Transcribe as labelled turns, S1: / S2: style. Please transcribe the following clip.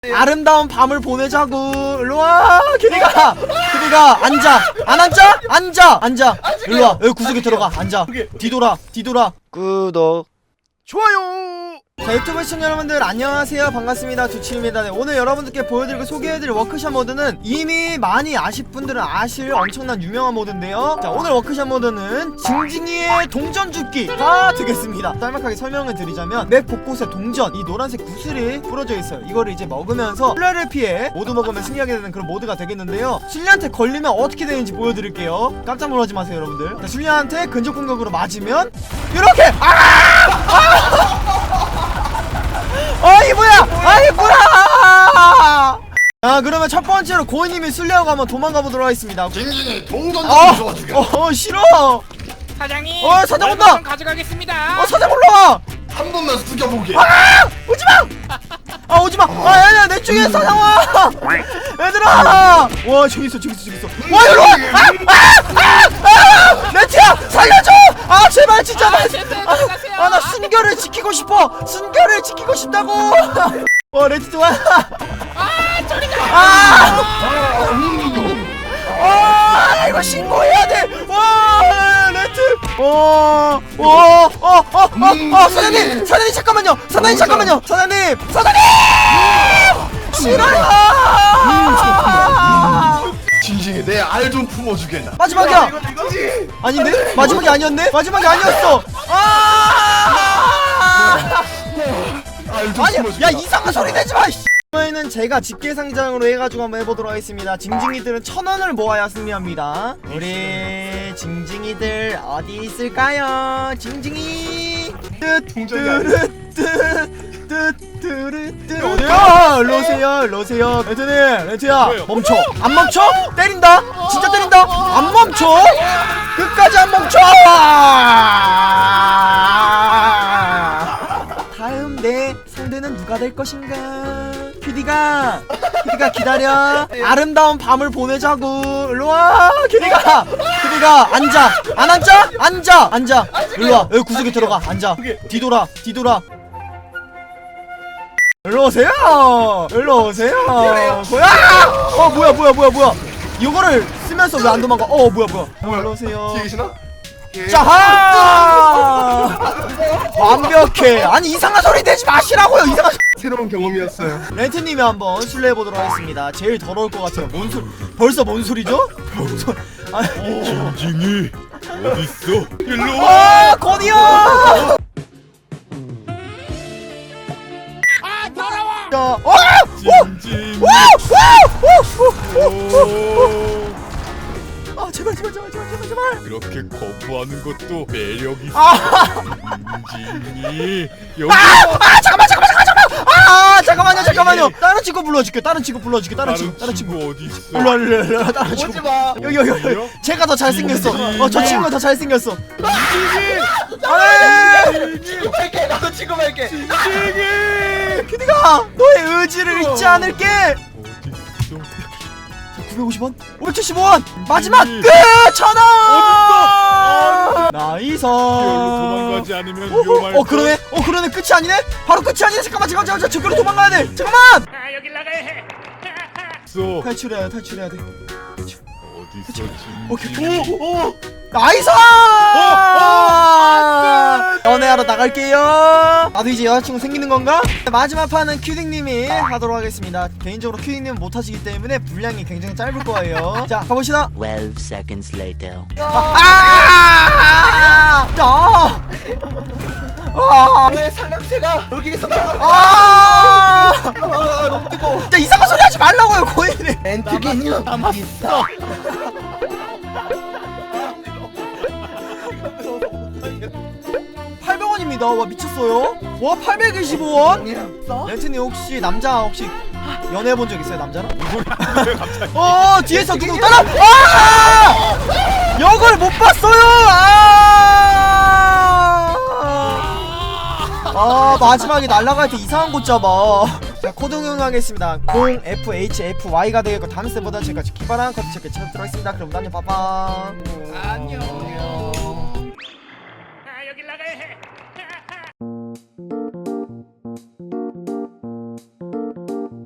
S1: 아름다운 밤을 보내자고. 일로와 규리가. 규리가 앉아. 안 앉아? 앉아. 일로와 여기 구석에 들어가. 앉아. 뒤돌아. 구독 좋아요. 자, 유튜브 시청자 여러분들 안녕하세요. 반갑습니다. 두치입니다. 네, 오늘 여러분들께 보여드리고 소개해드릴 워크샵 모드는 이미 많이 아실 분들은 아실 엄청난 유명한 모드인데요. 자, 오늘 워크샵 모드는 징징이의 동전 줍기가 되겠습니다. 짤막하게 설명을 드리자면 맵 곳곳에 동전, 이 노란색 구슬이 뿌려져 있어요. 이거를 이제 먹으면서 술래를 피해 모두 먹으면 승리하게 되는 그런 모드가 되겠는데요. 술래한테 걸리면 어떻게 되는지 보여드릴게요. 깜짝 놀라지 마세요 여러분들. 자, 술래한테 근접 공격으로 맞으면 이렇게 이 뭐야! 자, 그러면 첫 번째로 고인님이 술래하고 한번 도망가 보도록 하겠습니다.
S2: 징징이 동전 좀 줘주게.
S1: 싫어.
S3: 사장님.
S1: 사장 온다.
S3: 좀 가져가겠습니다.
S1: 사장 올라와.
S2: 한 번만 숙여보게.
S1: 오지마. 야, 내 쪽에 사장 와. 얘들아. 와, 저기 있어. 와, 일로 와. 레트야, 살려줘. 제발 진짜. 나 순결을 지키고 싶어. 순결을 지키고 싶다고. 레트 좋아. 이거 신고해야 돼. 레트. 사장님 잠깐만요. 사장님. 싫어요.
S2: 징징이 내 알 좀 품어주게.
S1: 마지막이야.
S2: 이거지.
S1: 아닌데? 마지막이 아니었네? 마지막이 아니었어.
S2: 알 좀
S1: 아니야.
S2: 품어주게.
S1: 야, 이상한 소리 내지 마. 이번에는 제가 집게상장으로 해가지고 한번 해보도록 하겠습니다. 징징이들은 1000원을 모아야 승리합니다. 우리 징징이들 어디 있을까요? 징징이 어디야? 일로 오세요. 레트야 멈춰. 안 멈춰? 때린다. 진짜 때린다. 안 멈춰. 끝까지 안 멈춰. 다음 내 상대는 누가 될 것인가? 큐디가 기다려. 아름다운 밤을 보내자고. 일로와 큐디가 앉아. 안 앉아? 앉아. 일로와 여기 구석에 들어가. 앉아. 뒤돌아. 일로 오세요. 뭐야? 이거를 쓰면서 왜 안 도망가? 뭐야? 일로 오세요.
S2: 뒤에 계시나?
S1: 자하! 완벽해. 아니, 이상한 소리 내지 마시라고요. 이상한.
S2: 새로운 경험이었어요.
S1: 렌트님이 한번 실례해 보도록 하겠습니다. 제일 더러울 것 같아요. 벌써 뭔 소리죠?
S4: 징징이 어딨어? 일로 와!
S1: 건이야! 더러워!
S4: 징징이
S1: 제발.
S4: 그렇게 거부하는 것도 매력 있어. 징징이 여기
S1: 잠깐만요. 다른 친구 불러줄게. 다른 친구.
S4: 다른 친구 어디 있어?
S1: 일로 다른 친구.
S2: 오지마.
S1: 여기. 제가 더 잘생겼어. 저 친구가 더 잘생겼어.
S2: 할게. 나도 지금 할게.
S1: 큐디가 너의 의지를 잊지 않을게.
S4: 어디 있어?
S1: 950원? 575원! 마지막 끝! 1000원! 나이스.
S4: 여기로 도망가지 않으면 위험할
S1: 그러네 끝이 아니네? 바로 끝이 아니네. 잠깐만 저기로 도망가야 돼. 잠깐만.
S3: 여길 나가야 해.
S4: 있어.
S1: 탈출해야 돼.
S4: 어딨어
S1: 오케이.
S4: 징징이?
S1: 나이스! 연애하러 나갈게요. 나도 이제 여자친구 생기는 건가? 마지막 판은 큐딩님이 하도록 하겠습니다. 개인적으로 큐딩님은 못하시기 때문에 분량이 굉장히 짧을 거예요. 자, 가봅시다.
S5: 12 seconds later.
S2: 왜 상남새가 여기서
S1: 너무 뜨거워. 진짜 이상한 소리 하지 말라고요, 고인이.
S2: 엔트기니 남았어.
S1: 800원입니다. 와, 미쳤어요. 와, 825원. 렌트님 혹시 연애해본 적 있어요, 남자랑? 뒤에서 누구 따라. 이걸 못 봤어요. 마지막에 날아갈 때 이상한 곳 잡아. 자, 코드 응용하겠습니다. 0FHFY가 되겠고, 다음 스텝보다 제가 기발한 커트 체크 찾도록 하겠습니다. 그럼 안녕, 빠빠.
S3: 안녕.